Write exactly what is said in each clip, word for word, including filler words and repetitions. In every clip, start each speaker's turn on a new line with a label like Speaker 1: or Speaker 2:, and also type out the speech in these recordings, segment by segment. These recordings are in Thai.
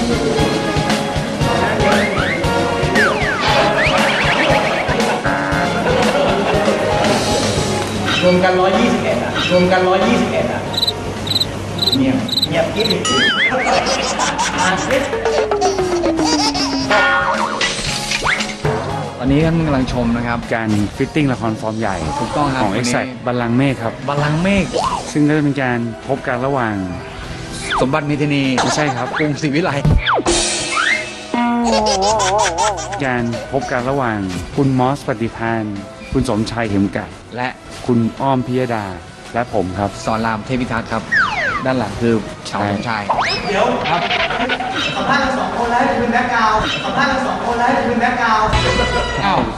Speaker 1: รวมกันร้อยยี่สิบเอ็ดอ่ะรวมกันร้อยยี่สิบเอ็ดอ่ะเงียบเงียบกิ๊บอ่านสิ
Speaker 2: ตอนนี้ท่านกำลังชมนะครับ
Speaker 3: การฟิตติ้งละครฟอร์มใหญ่
Speaker 2: ถูกต้องครับ
Speaker 3: ของ Exact บัลลังก์เมฆครับ
Speaker 2: บัลลังก์เมฆ
Speaker 3: ซึ่งก็จะเป็นการพบกันระหว่าง
Speaker 2: สมบัติเมธานี
Speaker 3: ไม่ใช่ครับ
Speaker 2: กรุงศรีวิไล
Speaker 3: การพบกันระหว่างคุณมอสปฏิภาณคุณสมชายเข็มกัด
Speaker 2: และ
Speaker 3: คุณอ้อมพิยดาและผมครับ
Speaker 2: สอนรามเทพิทักษ์ครับด้านหลังคือชาวสมชาย
Speaker 1: เดี๋ยวครับสัมภาษณ์กันสองคนแล้วจะเป็นแบ็คกราวด์สัมภาษณ์กันสองคนแล้วจะเป็นแบ็คกราวด์
Speaker 2: อ้าว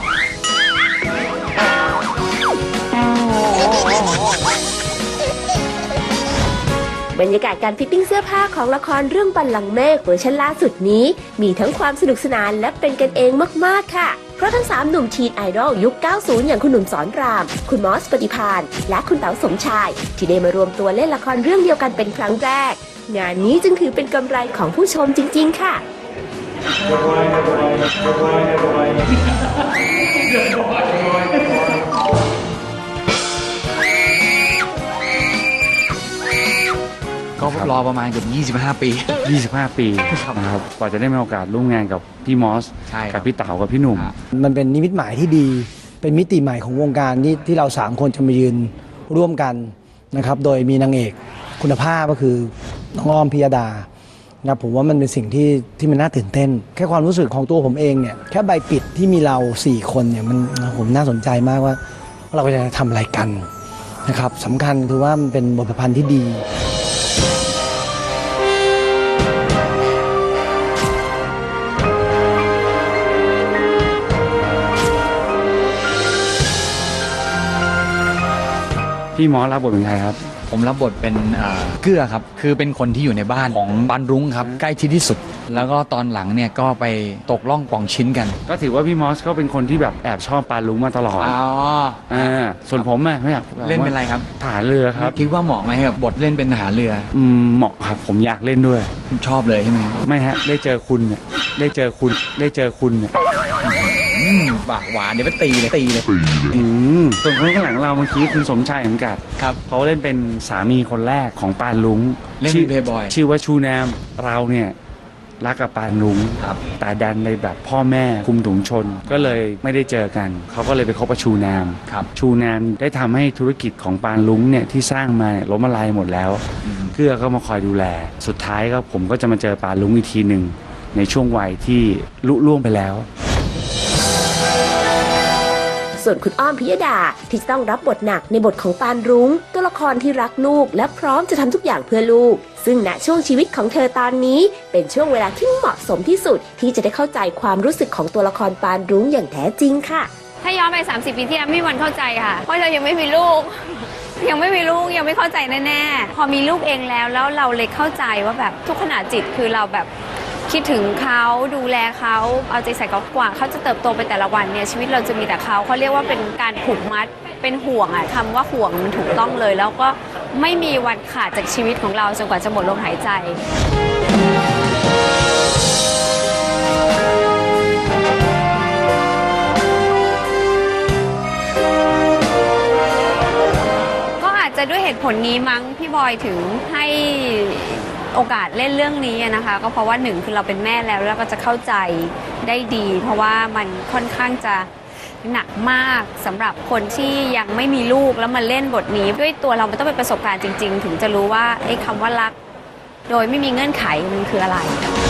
Speaker 4: บรรยากาศการฟิตติ้งเสื้อผ้าของละครเรื่องบัลลังก์เมฆเวอร์ชันล่าสุดนี้มีทั้งความสนุกสนานและเป็นกันเองมากๆค่ะเพราะทั้งสามหนุ่มทีนไอดอลยุค เก้าสิบ อย่างคุณหนุ่มสอนรามคุณมอสปฏิภาณและคุณเต๋าสมชายที่ได้มารวมตัวเล่นละครเรื่องเดียวกันเป็นครั้งแรกงานนี้จึงถือเป็นกำไรของผู้ชมจริงๆค่ะ
Speaker 2: ก็รอประมาณเกือบยี่สิบห้าปี
Speaker 3: ยี่สิบห้าปีนะครับกว่าจะได้มีโอกาสร่วมงานกับพี่มอสกับพี่เต๋ากับพี่หนุ่ม
Speaker 5: มันเป็นนิมิตหมายที่ดีเป็นมิติใหม่ของวงการที่ที่เราสามคนจะมายืนร่วมกันนะครับโดยมีนางเอกคุณภาพก็คือน้องอ้อมพิยดานะผมว่ามันเป็นสิ่งที่ที่มันน่าตื่นเต้นแค่ความรู้สึกของตัวผมเองเนี่ยแค่ใบปิดที่มีเราสี่คนเนี่ยมันผมน่าสนใจมากว่าเราจะทำอะไรกันนะครับสำคัญคือว่ามันเป็นบทประพันธ์ที่ดี
Speaker 3: พี่มอสรับบทเป็นใครครับ
Speaker 2: ผมรับบทเป็นเกื้อครับคือเป็นคนที่อยู่ในบ้านของปานรุ้งครับใกล้ชิดที่สุดแล้วก็ตอนหลังเนี่ยก็ไปตกล่องป่องชิ้นกัน
Speaker 3: ก็ถือว่าพี่มอสก็เป็นคนที่แบบแอบชอบปานรุ้งมาตลอด
Speaker 2: อ๋อ
Speaker 3: อ่าส่วนผมอะไม่อยาก
Speaker 2: เล่นเป็นอะไรครับ
Speaker 3: ทหารเรือครับ
Speaker 2: คิดว่าเหมาะไหมกับบทเล่นเป็นทหารเรือ
Speaker 3: อืมเหมาะครับผมอยากเล่นด้วย
Speaker 2: ชอบเลยใช่ไหม
Speaker 3: ไม่ฮะได้เจอคุณเนี่ยได้เจอคุณได้เจอคุณเนี่ย
Speaker 2: ปากหวานเดี๋ยวไปตีเลยตีเลย
Speaker 3: ส่วนคนข้างหลังเราเมื่อกี้คุณสมชายเหมือนกัน
Speaker 2: ครับ
Speaker 3: เขาเล่นเป็นสามีคนแรกของปานลุง
Speaker 2: เล่นเพย์บอย
Speaker 3: ชื่อว่าชูแนมเราเนี่ยรักกับปานลุงแต่ดันในแบบพ่อแม่คุมถุงชนก็เลยไม่ได้เจอกันเขาก็เลยไปคบกับชูแนมชูแนมได้ทำให้ธุรกิจของปานลุงเนี่ยที่สร้างมาล้มละลายหมดแล้วเกื้อก็มาคอยดูแลสุดท้ายก็ผมก็จะมาเจอปานลุงอีกทีหนึ่งในช่วงวัยที่ลุล่วงไปแล้ว
Speaker 4: ส่วนคุณอ้อมพิยดาที่ต้องรับบทหนักในบทของปานรุ้งตัวละครที่รักลูกและพร้อมจะทำทุกอย่างเพื่อลูกซึ่งณช่วงชีวิตของเธอตอนนี้เป็นช่วงเวลาที่เหมาะสมที่สุดที่จะได้เข้าใจความรู้สึกของตัวละครปานรุ้งอย่างแท้จริงค่ะ
Speaker 6: ถ้าย้อนไปสามสิบปีที่แล้วไม่มีวันเข้าใจค่ะเพราะเรายังไม่มีลูกยังไม่มีลูกยังไม่เข้าใจแน่ๆพอมีลูกเองแล้วแล้วเราเลยเข้าใจว่าแบบทุกขณะจิตคือเราแบบคิดถึงเขาดูแลเขาเอาใจใส่เขากว่าเขาจะเติบโตไปแต่ละวันเนี่ยชีวิตเราจะมีแต่เขาเขาเรียกว่าเป็นการผูกมัดเป็นห่วงอ่ะคำว่าห่วงมันถูกต้องเลยแล้วก็ไม่มีวันขาดจากชีวิตของเราจนกว่าจะหมดลมหายใจก็อาจจะด้วยเหตุผลนี้มั้งพี่บอยถึงให้โอกาสเล่นเรื่องนี้นะคะก็เพราะว่าหนึ่งคือเราเป็นแม่แล้วแล้วก็จะเข้าใจได้ดีเพราะว่ามันค่อนข้างจะหนักมากสำหรับคนที่ยังไม่มีลูกแล้วมาเล่นบทนี้ด้วยตัวเรามันต้องเป็นประสบการณ์จริงๆถึงจะรู้ว่าไอ้คำว่ารักโดยไม่มีเงื่อนไขมันคืออะไร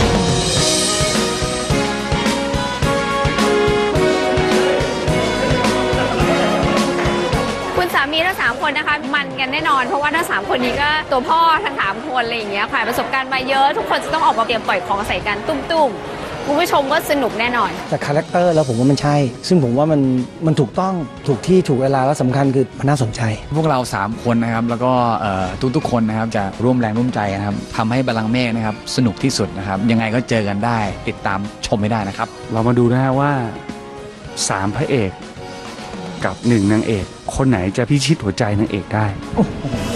Speaker 6: คุณสามีทั้งสามคนนะคะมันกันแน่นอนเพราะว่าทั้งสามคนนี้ก็ตัวพ่อทั้งสามคนอะไรอย่างเงี้ยผ่านประสบการณ์มาเยอะทุกคนจะต้องออกมาเตรียมปล่อยของใส่กันตุ้มๆคุณผู้ชมก็สนุกแน่นอน
Speaker 5: จากคาแรคเตอร์แล้วผมว่ามันใช่ซึ่งผมว่ามันมันถูกต้องถูกที่ถูกเวลาและสำคัญคือมันน่าสนใจ
Speaker 2: พวกเราสามคนนะครับแล้วก็ทุกๆคนนะครับจะร่วมแรงร่วมใจนะครับทำให้บัลลังก์เมฆนะครับสนุกที่สุดนะครับยังไงก็เจอกันได้ติดตามชมไม่ได้นะครับ
Speaker 3: เรามาดูนะฮะว่าสามพระเอกกับหนึ่งนางเอกคนไหนจะพิชิตหัวใจนางเอกได้